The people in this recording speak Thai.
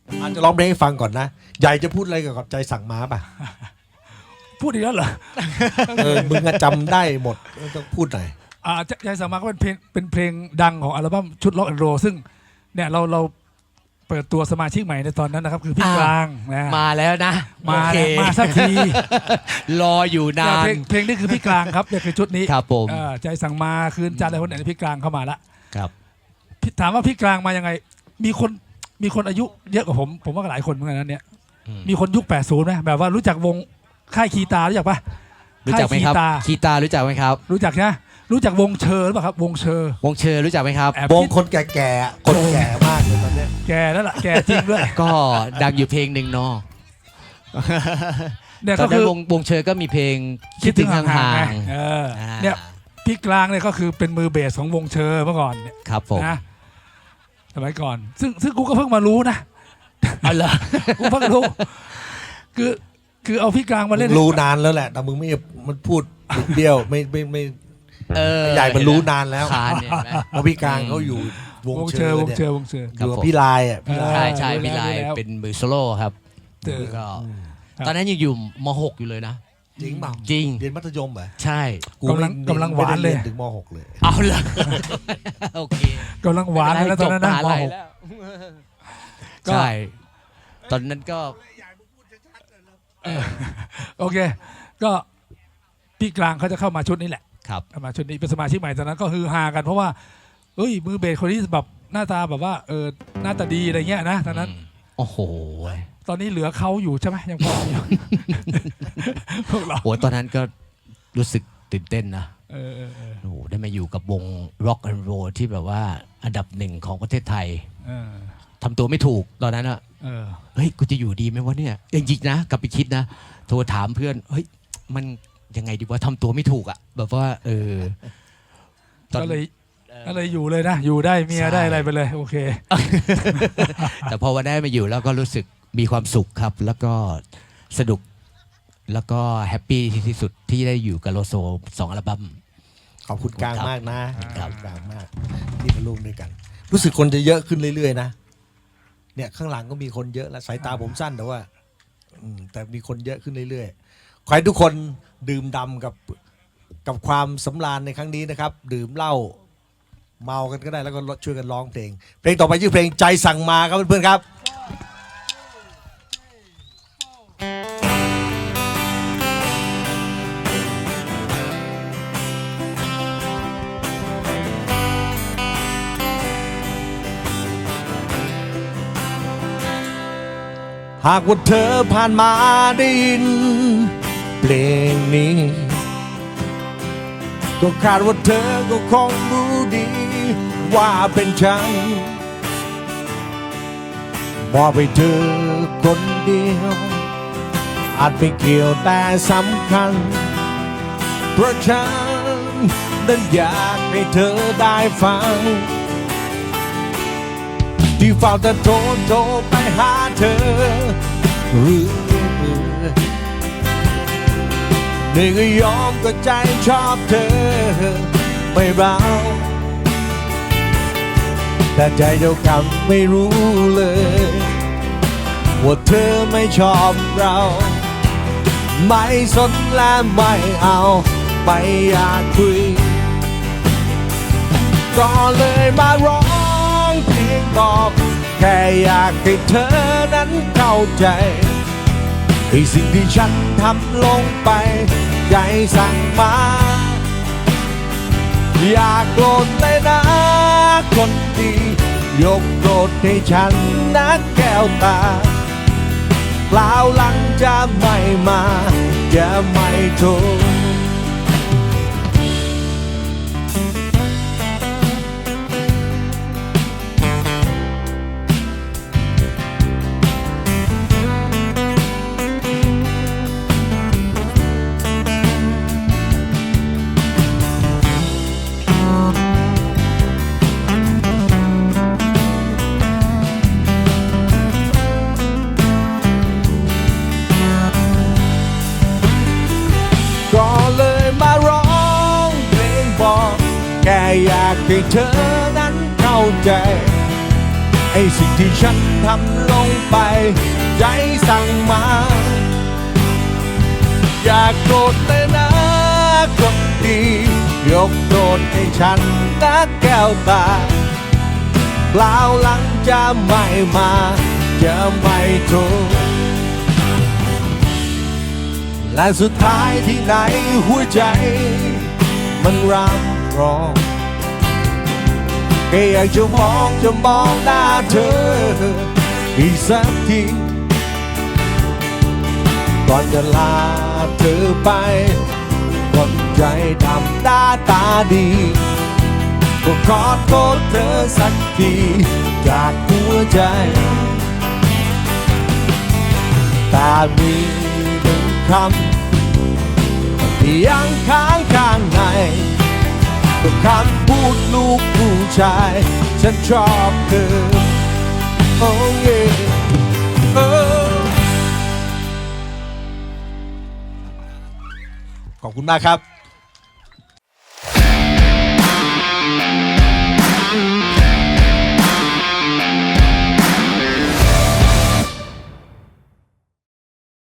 อาจจะร้องเพลงให้ฟังก่อนนะใหญ่จะพูดอะไรกับใจสั่งมาป่ะพูดอีกแล้วเหรอมึงอะจำได้หมดต้องพูดหน่อยใจสั่งมาก็เป็นเพลงดังของอัลบั้มชุดล็อกแอนด์โรซึ่งเนี่ยเราเปิดตัวสมาชิกใหม่ในตอนนั้นนะครับคือพี่กลางนะมาแล้วนะมาโอเคมาสักทีรออยู่นานเพลงนี้คือพี่กลางครับเนี่ยคือชุดนี้ครับผมใจสั่งมาคืนจันทร์อะไรคนไหนพี่กลางเข้ามาละครับถามว่าพี่กลางมายังไงมีคนอายุเยอะกว่าผมว่าหลายคนเหมือนกันนะเนี่ยมีคนยุค80ไหมแบบว่ารู้จักวงค่ายคีตารู้จักปะรู้จักไหมครับค่ายคีตารู้จักไหมครับรู้จักนะรู้จักวงเชอร์หรือเปล่าครับวงเชอร์วงเชอร์รู้จักไหมครับแอบวงคนแก่ๆคนแก่มากเลยตอนเนี้ยแกแล้วล่ะแกจริงด้วยก็ดังอยู่เพลงหนึ่งเนาะเนี่ยตอก็นนั้คืนอวงเชอร์ก็มีเพลงคิดถึงห่างไงๆเนี่ยพี่กลางเนี่ยก็คือเป็นมือเบสของวงเชอร์เมื่อก่อนเนี่ยครับผมนะสมัยก่อนซึ่งกูก็เพิ่งมารู้นะเอาล่ะกูเพิ่งรู้คือเอาพี่กลางมาเล่นรู้นานแล้วแหละแต่มึงไม่มันพูดบิดเบี้ยวไม่ ใหญ่มันรู้นานแล้วคานเนี่ยเห็นไหมเพราะพี่กลางเขาอยู่วงวงเชเชออร์ร์วงเนี่ยเชอร์วงเชอร์อยู่กับพี่ลายอ่ะพี่ลายใช่ใช่รู้พี่แล้วไลรู้แล้วเป็นมือโซโล่ครับเออก็ครับตอนนั้นยังอยู่ม .6 อยู่เลยนะจริงเปล่าจริงเรียนมัธยมเหรอใช่กูไม่กำลังหวานเลยไม่ได้รีถึงม .6 เลยเอาล่ะ โอเคกำลังหวานเลยนะตอนนั้นนะจบมหาลัยมหกแล้วก็ใช่ ตอนนั้นก็โอเค ก็พี่กลางเขาจะเข้ามาชุดนี้แหละครับเข้ามาชุดนี้เป็นสมาชิกใหม่ตอนนั้นก็ฮือฮากันเพราะว่าเอ้ยมือเบสคนนี้แบบหน้าตาแบบว่าหน้าตาดีอะไรเงี้ยนะตอนนั้นโอ้โหตอนนี้เหลือเขาอยู่ใช่ไหมยังพออยู่ พวกเราโอ้ตอนนั้นก็รู้สึกตื่นเต้นนะเออโอ้โหได้มาอยู่กับวง Rock and Roll ที่แบบว่าอันดับหนึ่งของประเทศไทยเออทำตัวไม่ถูกตอนนั้นอะเออเฮ้ย กูจะอยู่ดีไหมวะเนี่ยจริงๆนะกลับไปคิดนะ โทรถามเพื่อน เฮ้ย มันยังไงดีว่าทำตัวไม่ถูกอะแบบว่า ตอนก็เลยอยู่เลยนะอยู่ได้เมียใช่ได้อะไรไปเลยโอเคแต่พอวันได้มาอยู่แล้วก็รู้สึกมีความสุขครับ แล้วก็สนุก แล้วก็แฮปปี้ที่สุดที่ได้อยู่กับโลโซ2 อัลบั้มขอบคุณกลางมากนะครับ กลางมากที่มาร่วมด้วยกัน รู้สึกคนจะเยอะขึ้นเรื่อยๆนะเนี่ยข้างหลังก็มีคนเยอะแล้วสายตาผมสั้นแต่ว่าแต่มีคนเยอะขึ้นเรื่อยๆขอให้ทุกคนดื่มด่ำกับความสำราญในครั้งนี้นะครับ ดื่มเหล้าเมากันก็ได้แล้วก็ช่วยกันร้องเพลงเพลงต่อไปชื่อเพลงใจสั่งมาครับเพื่อนๆครับหากว่าเธอผ่านมาได้ยินเพลงนี้ ก็คาดว่าเธอก็คงรู้ดีว่าเป็นฉันมอบให้เธอคนเดียว อาจไม่เกี่ยวแต่สำคัญ เพราะฉันนั้นอยากให้เธอได้ฟัง ที่เฝ้าแต่โทรไปหาเธอเรื่อยๆนี่ก็ยอมก็ใจชอบเธอไม่เราแต่ใจเดียวกันไม่รู้เลยว่าเธอไม่ชอบเราไม่สนและไม่เอาไม่อยากคุยก็เลยมาร้องเพลงบอกแค่อยากให้เธอนั้นเข้าใจให้สิ่งที่ฉันทำลงไปใจสั่งมาอยากโกรธเลยนะคนดียกโกรธให้ฉันนะแก้วตาเปล่าหลังจะไม่มาจะไม่โทรก็เลยมาร้องเพลงบอกแค่อยากให้เธอนั้นเข้าใจไอ้สิ่งที่ฉันทำลงไปใจสั่งมา อย่าโกรธเลยนะคนดียกโทษให้ฉันนะแก้วตาเปล่าหลังจะไม่มาจะไม่ถูกและสุดท้ายที่ไหนหัวใจมันรักร้องแค่อยากจะมองหน้าเธออีกสักทีก่อนจะลาเธอไปคนใจดำหน้าตาดีก็ขอโทษเธอสักทีจากหัวใจแต่มีหนึ่งคำที่ยังค้างข้างในก็คำพูดลูกผู้ชายฉันชอบเธอโอ้ยขอบคุณมากครับ